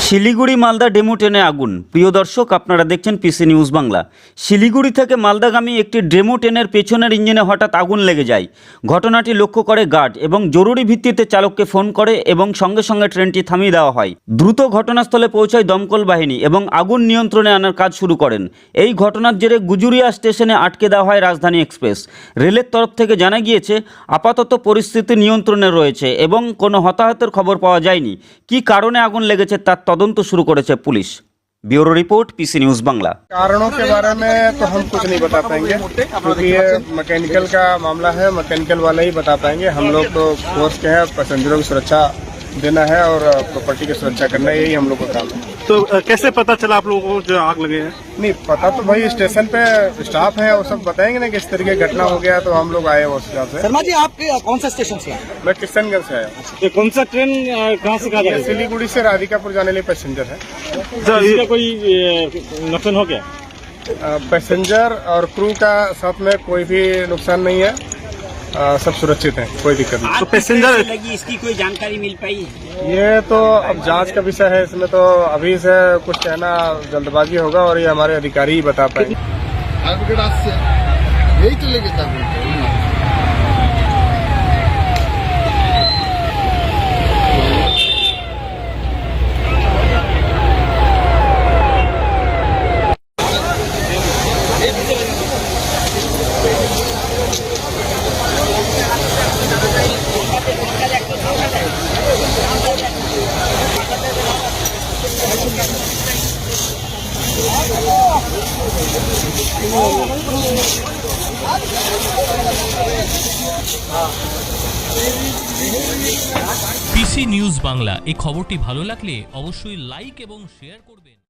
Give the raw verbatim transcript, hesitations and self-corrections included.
Siliguri Malda demo ট্রেনে আগুন। প্রিয় দর্শক, আপনারা দেখছেন পিসি নিউজ বাংলা। শিলিগুড়ি থেকে মালদাগামী একটি ডেমো ট্রেনের পেছনের ইঞ্জিনে হঠাৎ আগুন লেগে যায়। ঘটনাটি লক্ষ্য করে গার্ড এবং জরুরি ভিত্তিতে চালককে ফোন করে এবং সঙ্গে সঙ্গে ট্রেনটি থামিয়ে দেওয়া হয়। দ্রুত ঘটনাস্থলে পৌঁছায় দমকল বাহিনী এবং আগুন নিয়ন্ত্রণে আনার কাজ শুরু করেন। এই ঘটনার জেরে গুজুরিয়া স্টেশনে আটকে দেওয়া হয় রাজধানী এক্সপ্রেস। রেলের তরফ থেকে জানা গিয়েছে আপাতত পরিস্থিতি নিয়ন্ত্রণে রয়েছে এবং কোনো হতাহতের খবর পাওয়া যায়নি। কী কারণে আগুন লেগেছে তার তদন্ত शुरू করেছে police. Bureau report PC news Bangla. कारणों के बारे में तो हम कुछ नहीं बता पाएंगे क्योंकि ये मैकेनिकल का मामला है, मैकेनिकल वाले ही बता पाएंगे। हम लोग तो फोर्स के हैं, पैसेंजरों की सुरक्षा देना है और प्रॉपर्टी की सुरक्षा करना, यही हम लोग का काम है। तो कैसे पता चला आप लोगों को जो आग लगे हैं? नहीं पता तो भाई स्टेशन पे स्टाफ है, वो सब बताएंगे ना कि इस तरीके घटना हो गया, तो हम लोग आए उस हिसाब से। शर्मा जी, आप कौन सा स्टेशन से आए? मैं किशनगंज से आया। ये कौन सा ट्रेन कहाँ से कहाँ ये सिलीगुड़ी से राधिकापुर जाने लिए पैसेंजर है। इसका कोई नुकसान हो गया? पैसेंजर और क्रू का साथ में कोई भी नुकसान नहीं है, आ, सब सुरक्षित हैं, कोई दिक्कत नहीं। तो पैसेंजर लगी, इसकी कोई जानकारी मिल पाई? ये तो अब जांच का विषय है, इसमें तो अभी से कुछ कहना जल्दबाजी होगा और ये हमारे अधिकारी ही बता पाएंगे। यही तो लेके था। পিসি নিউজ বাংলা এই খবরটি ভালো লাগলে অবশ্যই লাইক এবং শেয়ার করবেন।